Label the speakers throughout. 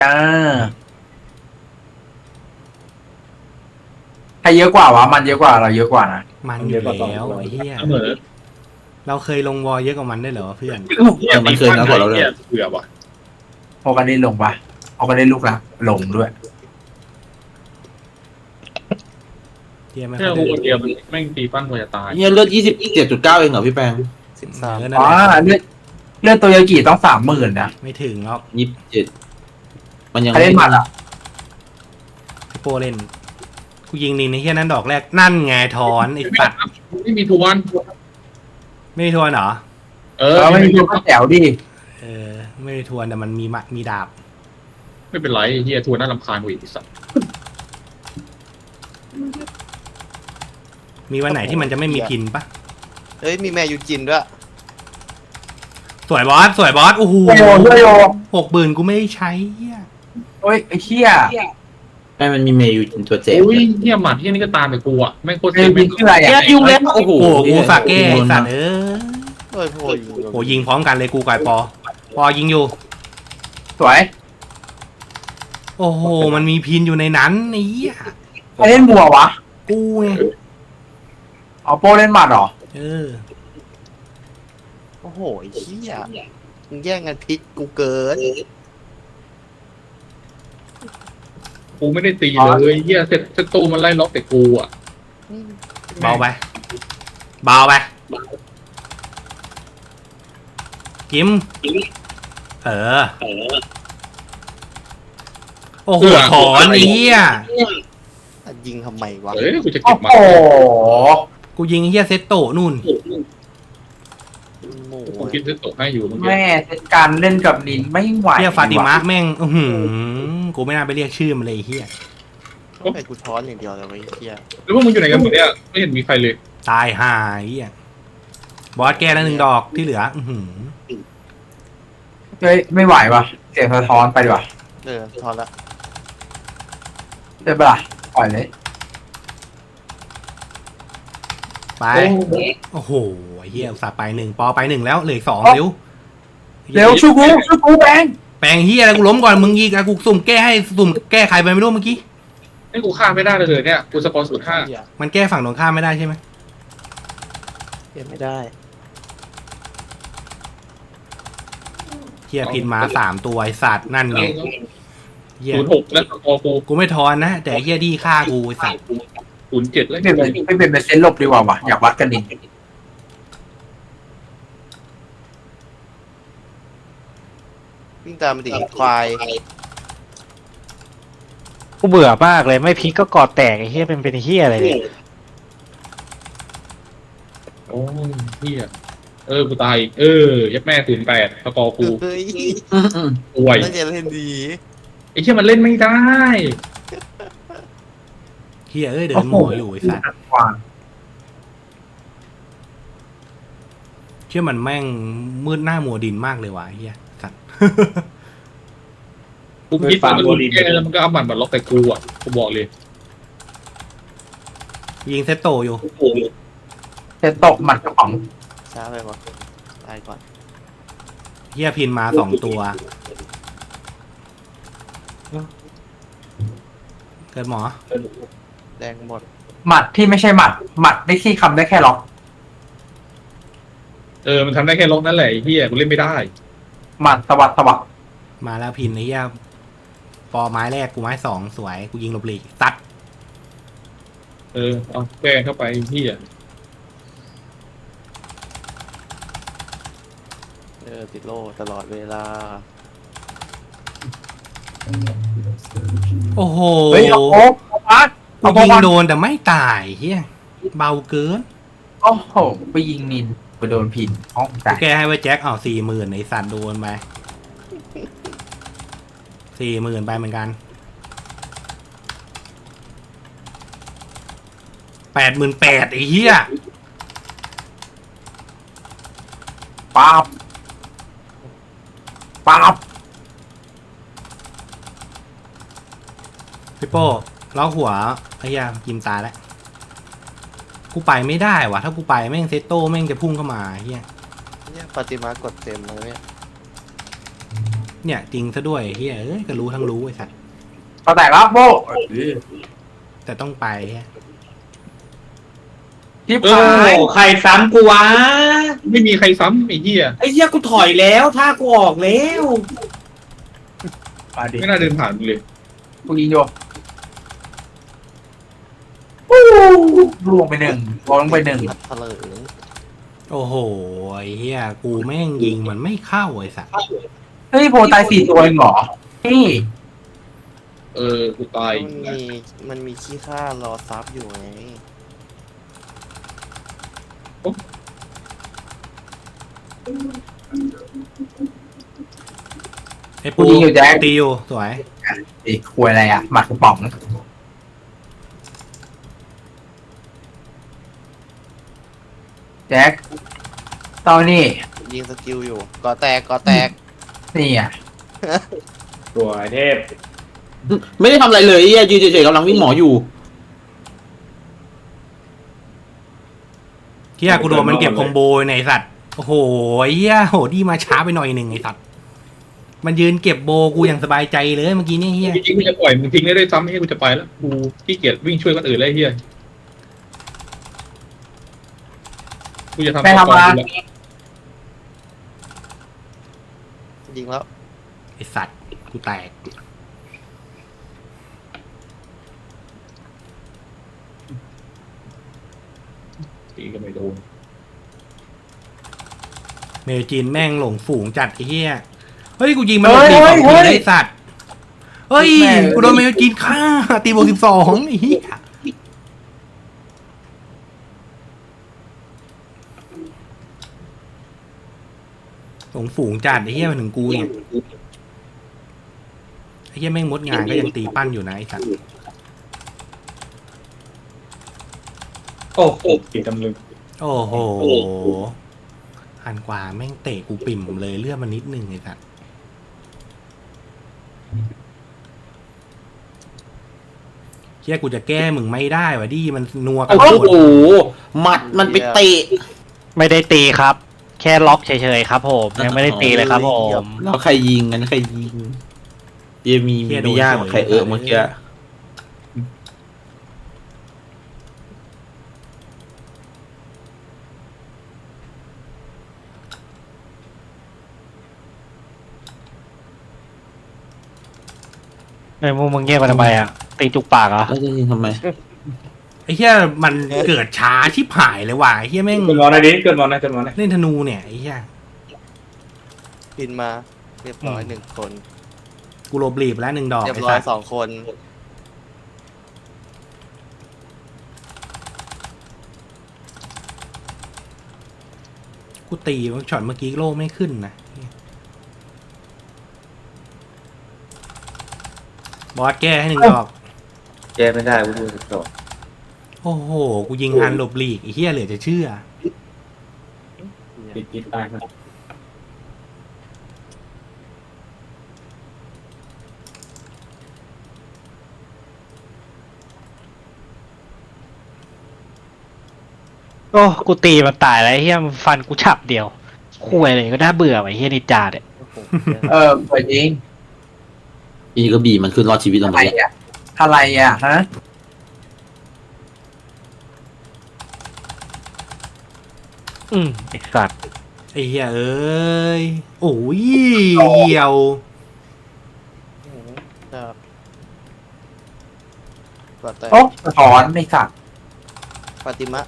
Speaker 1: อ่าใครเยอะกว่าวะมันเยอะกว่าเราเยอะกว่านะ
Speaker 2: มันอยู่แล้วไอ้เหี้ย
Speaker 3: เสมอ
Speaker 2: เราเคยลงวอลเยอะกว่ามันได้เหรอเพื่อน
Speaker 4: มันเคยน้อยกว่าเราเลย
Speaker 3: เบื่อว่ะ
Speaker 1: พอกันได้ลงปะพอกันได้ลูกละลงด้วย
Speaker 2: เหี้ยไม่
Speaker 3: แค่
Speaker 2: ค่อย
Speaker 3: กู
Speaker 2: เดิ
Speaker 3: คน นเดียวมันแม่งตีปั้นกว่าจะตาย
Speaker 4: เนี่ยเลือด27.9เองเหรอพี่แปง
Speaker 2: 13นั่น
Speaker 1: อ๋อ
Speaker 2: แหละ
Speaker 1: เลือดตัวยากิต้อง30,000นะ
Speaker 2: ไม่ถึงหรอก
Speaker 4: 27มันยัง
Speaker 1: ใครเล่นหมัดอ่ะ
Speaker 2: พี่โปเล่นกูยิงนินในเหี้ยนั้นดอกแรกนั่นไงถอนไอ้สัตว์
Speaker 3: ไม่มีทวน
Speaker 2: ไม่มีทวนเหรอ
Speaker 3: เอ
Speaker 1: เอ
Speaker 3: อ
Speaker 1: อไม่มีตัวก็แจ๋วดิ
Speaker 2: เออไม่มีทวนแต่มันมีดาบ
Speaker 3: ไม่เป็นไรเฮียทวนน่ารำคาญกว่าอีกสัตว์
Speaker 2: มีวันไหนที่มันจะไม่มีพินปะ
Speaker 5: เฮ้ยมีแม่ยูจินด้วย
Speaker 2: สวยบอสสวยบอสโอ้โห
Speaker 1: ช่วยโย
Speaker 2: 60,000กูไม่ได้ใช้เหี้ย
Speaker 1: โอ้ยไอ้เหี้ย
Speaker 4: แม่มันมีเมย์อยู่ตัวเจ็บ
Speaker 3: อุ้ยเฮียหมัดเฮียนี่ก็ตามไปกูอ่ะแม่งโคตร
Speaker 1: เอ้
Speaker 3: เซ็
Speaker 1: ย
Speaker 3: ง
Speaker 1: บินชื่ออะไร
Speaker 4: แก
Speaker 1: อ่ะ
Speaker 4: ยุ่งแล้วโอ้โห
Speaker 2: โอ้โหกูฝากแก้ไอ้สัตว์เออ
Speaker 5: เฮ้ยโอ้ย
Speaker 2: โหยิงพร้อมกันเลยกูกับไอ้ปอยิงอยู่
Speaker 1: สวย
Speaker 2: โอ้โหมันมีพินอยู่ในนั้นไอ้เหี้ย
Speaker 1: ใครเล่นบัววะ
Speaker 2: กูไง
Speaker 1: เอาโป้เล่นหมัดเหรอ
Speaker 2: เออ
Speaker 5: โอ้โหไอ้เหี้ยมึงแย่งกันพลิกกูเกิน
Speaker 3: กูไม่ได้ตีเลยเฮียเซตตูมันไล่ล็อกแต่กูอ่ะ
Speaker 2: เบาไปเบาไปกิมเออโอ้โหถอนไอ้เหี้ย
Speaker 5: ยิงทำไมวะ
Speaker 3: เอ้ยกูจะ
Speaker 1: โอ้
Speaker 3: เก็บมา
Speaker 1: โห
Speaker 2: กูยิงไอ้เหี้ยเซตโตะนู่น
Speaker 5: โง่
Speaker 3: กูกินเซตโตให้อยู่เมื่อกี้
Speaker 1: แม่เซตการเล่นกับนินไม่ไหว
Speaker 2: เหี้ยฟาติมาแม่งอื้อหือกูไม่น่าไปเรียกชื่อมันเลยไอ้เหี้ย
Speaker 5: ไอ้กูช้อนอย่างเดียวเลยไอ้เหี้ย
Speaker 3: แล้วพวกมึงอยู่ไหนกันหมดเนี่ยไม่เห็นมีใครเลย
Speaker 2: ตายห่าไอ้เหี้ยบอสแก้แล้ว1 ดอกที่เหลืออื้อหือ
Speaker 1: เฮ้ยไม่ไหววะเสียงสะท้อนไปดีกว่า
Speaker 5: ช้อนละ
Speaker 1: เดี๋ยวปะล่ะปล่อยเลย
Speaker 2: ไปโอ้โหไอ้เหี้ยอุตส่าห์ไป1ปอไป1แล้วเหลืออก2เร็ว
Speaker 1: เร็วช่วยกูแบง
Speaker 2: แปลงเหี้ยอะไรกูล้มก่อนมึงยิงอะกูสุ่มแก้ให้สุ่มแก้ใครไปไม่รู้เมื่อกี้
Speaker 3: ให้กูฆ่าไม่ได้เลยเนี่ยกูสปอน05
Speaker 5: เหี้ย
Speaker 2: มันแก้ฝั่งตรงข้ามไม่ได้ใช่ไหม
Speaker 5: เก็บไม่ได้
Speaker 2: เหี้ยพินมา3 ตัวไอสัตว์นั่นไงเหี้ย
Speaker 3: 06แล้วสกอร์กู
Speaker 2: กูไม่ทอนนะแต่เหี้ยดีฆ่ากูไอสัตว์
Speaker 3: 07แล้ว
Speaker 1: ไม่เป็นเซนลบดีกว่าวะอยากวัดกันนิน
Speaker 5: วิ่งตามมันดิควาย
Speaker 6: กูเบื่อมากเลยไม่พลิกก็กอดแตกไอ้เหี้ยเป็นเหี้ยอะไรเนี่ย
Speaker 3: โอ้ยเฮียกูตายอีกยับแม่08สกอร์กู
Speaker 5: เฮ้ย
Speaker 3: ป่วย
Speaker 5: น่าจะเล่นดี
Speaker 3: ไอ้เชี่ยมันเล่นไม่ได้
Speaker 2: เหี้ยเอ้ยเดินหมออยู่ไอสัตว์
Speaker 1: กวาง
Speaker 2: เชื่อมันแม่งมืดหน้ามัวดินมากเลยว่ะไอ้เหี้ยสัตว์
Speaker 3: กูคิดว่ามันแก้แล้วมันก็เอาหมัดมาล็อกแต่กูอ่ะกูบอกเลย
Speaker 2: ยิงเซตโตอยู่
Speaker 1: เซตตกหมัดกระป๋อง
Speaker 5: ช้าไปวะตายก่อน
Speaker 2: เหี้ยพินมา2 ตัวเกิดหมอ
Speaker 5: แดงหมด
Speaker 1: หมัดที่ไม่ใช่หมัดได้ที่คำได้แค่ล็อก
Speaker 3: มันทำได้แค่ล็อกนั่นแหละไอ้เฮียกูเล่นไม่ได้
Speaker 1: หมัดสวัด
Speaker 2: มาแล้วพินไอ้เหี้ยปอไม้แรกกูไม้2สวยกูยิงหลบหลีกตัด
Speaker 3: เอาแก้เข้าไปเฮีย
Speaker 5: ติดโล่ตลอดเวลา
Speaker 2: โอ้โห
Speaker 1: เฮ้ยเอาโป๊กเอาพัด
Speaker 2: กูยิงโดนแต่ไม่ตายเฮียเบาเกิน
Speaker 1: โอ้โหไปยิงนินไปโดนพินห้อง
Speaker 2: กู
Speaker 1: แต่
Speaker 2: แก้ให้ไว้แจ็คเอา40,000ไอ้สัตว์โดนไป40,000ไปเหมือนกัน88,000ไอ้เหี้ย
Speaker 1: ป๊าบ
Speaker 2: พี่โป้ล้อหัวไอ้เหี้ยยิมตายแล้วกูไปไม่ได้ว่ะถ้ากูไปแม่งเซตโต้แม่งจะพุ่งเข้ามาไอ้เหี้ย
Speaker 5: เนี่ยปฏิมากดเต็มเลยเนี่ย
Speaker 2: เนี่ยจริงซะด้วยเฮียเอ้ยก็รู้ทั้งรู้ไอ้สัตว์
Speaker 1: ก็แตกแล้วโบ้
Speaker 2: แต่ต้องไปเหี้ย
Speaker 1: ชิบ
Speaker 3: เอ
Speaker 1: หาย
Speaker 3: อ
Speaker 4: ใครซ้ำกูวะ
Speaker 3: ไม่มีใครซ้ำไอ้เหี้ย
Speaker 4: ไอ้เหี้ยกูถอยแล้วถ้ากูออกแล้ว
Speaker 1: มาดิ
Speaker 3: ไม่น่าเดินผ่านเลย
Speaker 1: กูยิงโยล่วงไปหนึ่งลงไปหนึ่ง
Speaker 5: พัดเถลิง
Speaker 2: โอ้โหไอ้เฮียกูแม่งยิงมันไม่เข้าไอ้สัตว์
Speaker 1: เฮ้ยโพตาย4 ตัวเองเหรอนี่
Speaker 3: กูตาย
Speaker 5: มันมีขี้ข้ารอซับอยู่ไง
Speaker 2: ไอ้ปู
Speaker 1: กูยิงอยู่แจ็ค
Speaker 2: ตีอยู่สวย
Speaker 1: อีกควยอะไรอ่ะหมักกระป๋องแจ็คตอนนี้
Speaker 5: ยิงสกิลอยู่ก่อแตกก่อแตก
Speaker 1: นี่อ่ะ
Speaker 3: ตัวไอเทพ
Speaker 4: ไม่ได้ทำอะไรเลยไอ้เหี้ยยืนเฉยๆกำลังวิ่งหมออยู่
Speaker 2: เฮียกูโดนมันเก็บคอมโบในไอ้สัตว์โอ้โหไอ้เฮียโหดีมาช้าไปหน่อยหนึ่งไอ้สัตว์มันยืนเก็บโบกูอย่างสบายใจเลยเมื่อกี้เนี่ยเฮีย
Speaker 3: จริงๆกูจะปล่อยมึงทิ้งได้ด้วยซ้ำให้กูจะไปแล้วกูขี้เกียจวิ่งช่วยคนอื่นเลยไอ้เหี้ยกูจะทำ
Speaker 1: ไม่ทำ
Speaker 3: ต่อ
Speaker 1: มา
Speaker 3: กูละ
Speaker 5: ยิงแล้ว
Speaker 2: ไอ้สัตว์กูแตก
Speaker 3: ตีก็ไม่โดน
Speaker 2: เมจินแม่งหลงฝูงจัดไอ้เหี้ย เฮ้ยกูยิงมันหลบตีสองทีได้สัตว์ เฮ้ยกูโดนเมจินฆ่าตีบวก12ไอ้เหี้ยหลงฝูงจัดไอ้เหี้ยมาถึงกูเนี่ยไอ้เหี้ยแม่งมดงานก็ยังตีปั้นอยู่นะไอ้สัตว์
Speaker 3: โอ้โหตีตำลึง
Speaker 2: โอ้โหหันกว่าแม่งเตะกูปิ่มเลยเลือดมันนิดนึงไอ้สัตว์เชี่ยกูจะแก้มึงไม่ได้วะดิมันนัวกัน
Speaker 4: โอ้
Speaker 2: หมด
Speaker 4: โหหมัดมันไปเตะ
Speaker 6: ไม่ได้ตีครับ แค่ล็อกเฉยๆครับผมยังไม่ได้ตีเลยครับผม
Speaker 4: แล้วใครยิงกันใครยิงเยมีไม่ยากเหมือนใครเมื่อกี้
Speaker 6: ไอ้พวกมึงเงียบกันทำไมอ่ะตีจุกปากเหรอ
Speaker 4: แล้วจะยิงทำไม
Speaker 2: ไอ้เหี้ยมันเกิดช้าชิบหายเลยว่ะไอ้เหี้ยแม่ง
Speaker 3: เกิดมอนนะดิเกิดมอนนะเกิดมอนนะ
Speaker 2: เล่นธนูเนี่ยไอ้เหี้ย
Speaker 5: บินมาเรียบร้อยหนึ่งคน
Speaker 2: กูโลบลีบแล้ว1 ดอก
Speaker 5: เรียบ
Speaker 2: ไอ้
Speaker 5: ร้อ
Speaker 2: สั
Speaker 5: ย
Speaker 2: ส
Speaker 5: 2 คน
Speaker 2: กูตีมันช็อตเมื่อกี้โลไม่ขึ้นนะบอสแก้ให้1 ดอก
Speaker 7: แก้ไม่ได้กูดูจบ
Speaker 2: โอ้โหกูยิงฮันหลบหลีกไอ้เหี้ยเหลือจะเชื่อ
Speaker 3: ติดตายนะ
Speaker 6: โอ้กูตีมันตายแล้วไอ้เฮียมันฟันกูฉับเดียวคุยเลยก็น่าเบื่อไอ้เฮียนิจาเนี่ย
Speaker 1: เปิดยิง
Speaker 4: อีก็บีมันขึ้นรอดชีวิตเรา
Speaker 1: อะ
Speaker 4: หม
Speaker 1: ไร
Speaker 4: ดเลย
Speaker 1: อ่ะอะไรอ่ะฮะ
Speaker 6: ไอ้สัตว์
Speaker 2: ไอ้เหี้ยเอ้ยโอ้ยเหี่ยว
Speaker 5: ครับก่อแตก
Speaker 1: โอ้สะท้อนไม่สัตว์
Speaker 5: ปาติมะ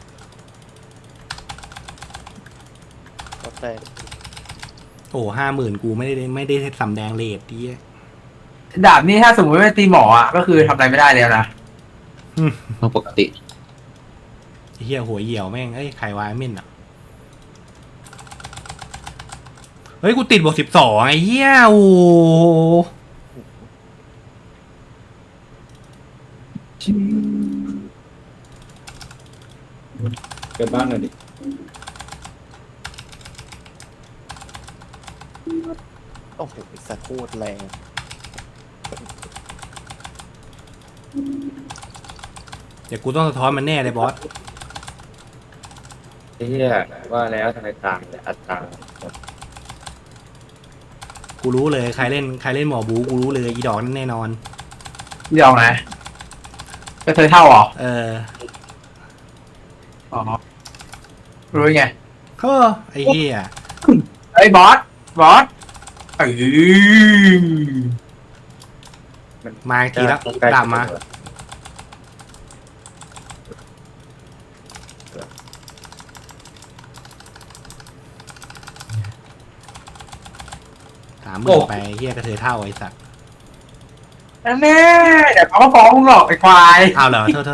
Speaker 5: ก่อแตก
Speaker 2: โอ้50,000กูไม่ได้สำแดงเลทดิ
Speaker 1: ดาบนี่ถ้าสมมติไม่ตีหมออ่ะก็คือทำอะไรไม่ได้แล้วนะ
Speaker 4: มันปกติ
Speaker 2: ไอ้เหี้ยหัวเหี่ยวแม่งเอ้ยใครวายเม่นอ่ะเฮ้ยกูติดบวก12ไอ้เหี้ยโอ้
Speaker 3: เกิดบ้านหน่อยดิ
Speaker 5: โอ้โหสัตว์โคตรแรง
Speaker 2: เดี๋ยวกูต้องสะท้อนมันแน่เลยบอส
Speaker 7: ไอ้เหี้ยว่าแล้วทำไมตายแต่อัตรา
Speaker 2: กูรู้เลยใครเล่นหมอบูกูรู้เลยอีดอกนั่นแน่นอน
Speaker 1: เดี๋ยวนะก็เธอเท่าเหรอ
Speaker 2: เออ
Speaker 1: อ๋อรู้ไง
Speaker 2: เฮ้อไอ้เหี้ย
Speaker 1: เอ้ยบอสเอ้ย
Speaker 2: มาอีกทีแล้วดาบมา30,000ไปเหี้ยกระเทยเท่าไอ้สัตว์
Speaker 1: นั่นแน่เดี๋ยวเขาก็ฟ้องมึงหรอกไอ้ควาย
Speaker 2: เอาเหรอโทษ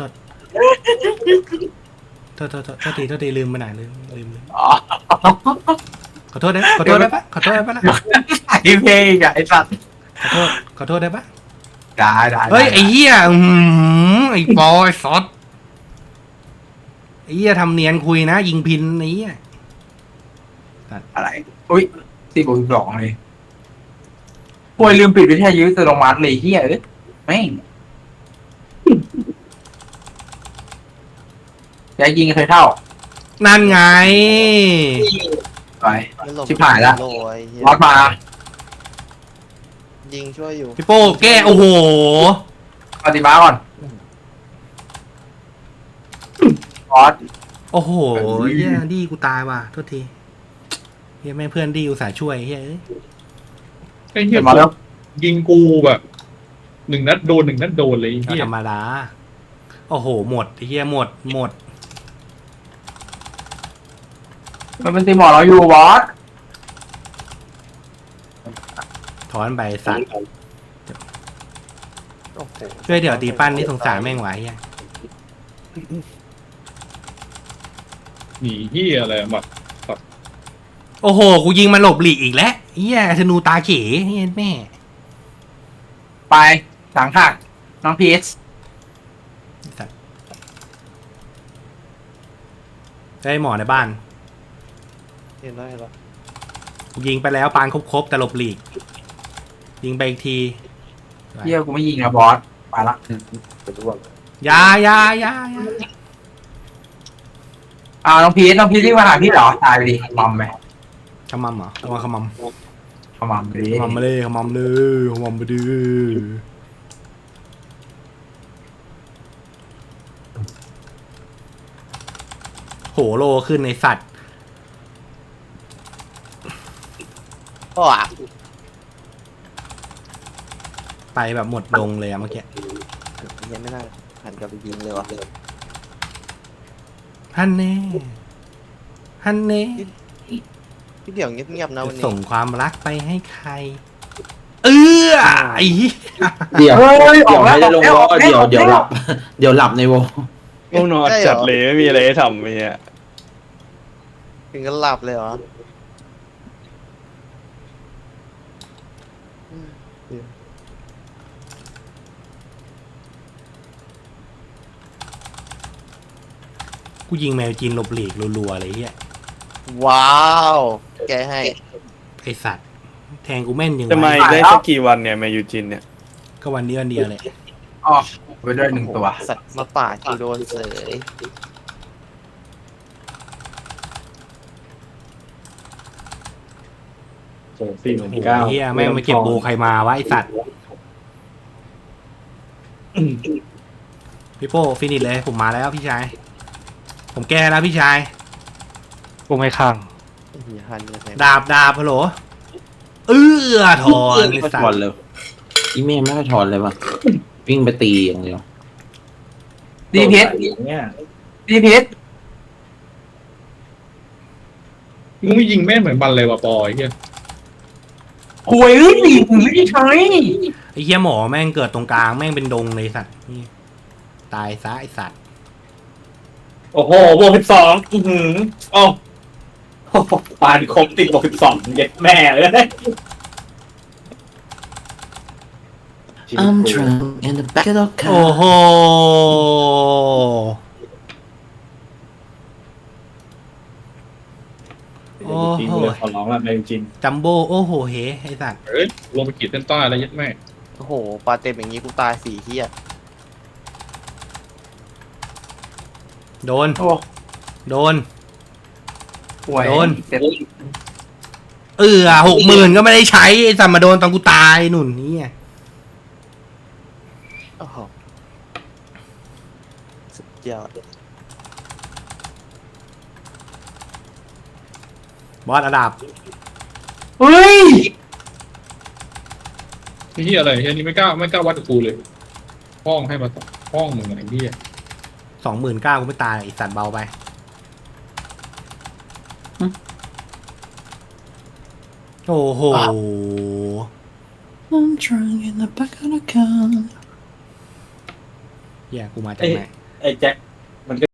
Speaker 2: ทีลืมไปไหนลืม
Speaker 1: อ๋อ
Speaker 2: ขอโทษได้ปะขอโทษได้ปะนะ
Speaker 1: ไอ้เพลงอะไอ้สัตว์
Speaker 2: ขอโทษได้ปะ
Speaker 1: ได้
Speaker 2: เฮ้ยไอ้เหี้ยไอ้บอยซอสไอ้เหี้ยทำเนียนคุยนะยิงพินไอ้เหี้ย
Speaker 1: อะไรอุ้ย4+2เลยป่วยลืมปิดวิทยุอัตโนมัติเลยเฮียแม่งอย่ายิงเคยเท่า
Speaker 2: นั่นไง
Speaker 1: ไป
Speaker 5: ไม่หลบ
Speaker 1: ชิบหายละ
Speaker 5: โอ้ยเหี้ย
Speaker 1: บอสมา
Speaker 5: ยิงช่วยอยู่
Speaker 2: พี่โป้แก้โอ้โห
Speaker 1: ปฏิมาก่อนบอส
Speaker 2: โอ้โหเหี้ยดีกูตายว่ะโทษทีเหี้ยแม่เพื่อนดีอุตส่าห์ช่วยเฮ้ย
Speaker 3: ไอ้เหี้ย
Speaker 1: มาแล้ว
Speaker 3: ยิงกูแบบ1 นัดโดน1 นัดโดนเลยไอ้
Speaker 2: ก็
Speaker 3: เหี้ย
Speaker 2: ธรรมดาโอ้โหหมดไอ้เหี้ยหมด
Speaker 1: มันเป็นตีหมอเราอยู่บอส
Speaker 2: ถอนไปสัตว์
Speaker 5: โอ้โห
Speaker 2: ช่วยเดี๋ยวตีปั้นนี่สงสารแม่งไหวเหี้ย
Speaker 3: หนีเหี้ยอะไรแบบ
Speaker 2: โอ้โหกูยิงมันหลบหลีกอีกแล้วเหี้ยธนูตาเขเหี้ยแม่
Speaker 1: ไปหลังหักน้องพีช
Speaker 2: ได้หมอในบ้าน
Speaker 5: เห็นแล้ว
Speaker 2: ยิงไปแล้วปานครบแต่หลบหลีก ยิงไปอีกที
Speaker 1: เฮียกูไม่ยิงนะบอสไปละ
Speaker 7: เป็นร่วง
Speaker 2: อยา
Speaker 1: น้องพีชที่มาหาพี่เหรอตายไปดิมอมไป
Speaker 2: ขมำเหรอเอามาขมำ
Speaker 1: ขมามไปดิ
Speaker 2: ขมำมาเลยขมำเลยขมำไปดิโหโลขึ้นในสัตว์
Speaker 5: โอ้อะ
Speaker 2: ไปแบบหมดลงเลยอะเมื่อกี้
Speaker 5: ยังไม่น่าหันกลับไปยิงเลยวะ
Speaker 2: ฮันเน่
Speaker 5: พี่เดี๋ยวเงียบๆนะวันนี้
Speaker 2: ส่งความรักไปให้ใคร ไอ้เหี้ย
Speaker 4: เดี๋ยว
Speaker 1: เฮ้ยอ
Speaker 4: เดี๋
Speaker 1: อย ก
Speaker 4: ว
Speaker 1: แล้ว
Speaker 4: ไม่ได้ลงวอ
Speaker 1: ออกแล้ว
Speaker 4: เดี๋ยวหลับ เดี๋ยวหลับในวอ
Speaker 6: ง่วงนอนจัดเลยไม่มีอะไรให้ทำไอ้เนี่ย
Speaker 5: ถึงก็หลับเลยเหรอ
Speaker 2: กูยิงแมวจีนหลบหลีกรัวๆเลยเหี้ย
Speaker 5: ว้าว แกให้
Speaker 2: ไอสัตว์แทงกูแม่นยัง
Speaker 6: จะมา
Speaker 2: ไง
Speaker 6: อีกได้สักกี่วันเนี่ยมายูจินเนี่ย
Speaker 2: ก็วันนี้วันเดียวเลย
Speaker 1: อ๋อไปด้วย1 ตัว
Speaker 5: สัตว์มาป่าดกูโดนเสย
Speaker 2: โอ้โหเฮียแม่งมาเก็บโบใครมาวะไอสัตว์พี่โป้ฟินิชเลยผมมาแล้วพี่ชาย ผมแก้แล้วพี่ชาย
Speaker 6: กูไม่ข้าง
Speaker 5: อย่าหันยังไง
Speaker 2: ดาบฮัลโหลถอนไอ
Speaker 4: ไม่
Speaker 2: สั
Speaker 4: ถ
Speaker 2: ต
Speaker 4: อน
Speaker 2: ว์
Speaker 4: เลยอีเมลไม่ให้ถอนเลยว่ะวิ่งไปตีอย่างเดียว
Speaker 1: ดีเพชร
Speaker 7: เนี่ย
Speaker 1: ดีเพชร
Speaker 3: มึงไม่ยิงแม่งเหมือนบันเลยว่ะปอยเหี้ย
Speaker 1: หวยนี่มึงไม่ใช่
Speaker 2: ไอเฮียหมอแม่งเกิดตรงกลางแม่งเป็นดงเลยสัตว์นี่ตายซะไอสัตว์
Speaker 7: โอ้โหบวก12โอ้ปานครบติดบวก12เย็ดแม่เลย
Speaker 4: I'm drunk in the back of the
Speaker 2: โอ้
Speaker 4: car
Speaker 2: โห โอ้โห
Speaker 7: ขอร้องละในจริง
Speaker 2: จัมโบ้โอ้โหเฮไอสัตว์
Speaker 3: เอ้ยลงไปขีดเส้นใต้แล้วยัดแม่
Speaker 5: โอ้โหปลาเต็มอย่างงี้กูตาย4เที่ย
Speaker 2: โดน
Speaker 1: โอ้
Speaker 2: โดน
Speaker 1: หวย
Speaker 2: โดน
Speaker 1: เสร็จ
Speaker 2: 60,000ก็ไม่ได้ใช้ไอ้สัตว์มาโดนตอนกูตายหนุนนี่ไง
Speaker 5: โอ้โหสุดยอด
Speaker 2: บอสระดับ
Speaker 1: เฮ้ย
Speaker 3: เฮียอะไรเฮียนี่ไม่กล้าวัดกับกูเลยห้องให้มาห้องมึงไอ้เฮีย
Speaker 2: 29,000กูไม่ตายไอ้สัตว์เบาไปโอ้โห I'm drunk in the back of the car เฮียกูมาจากไหน
Speaker 7: ไอ้แจ็ค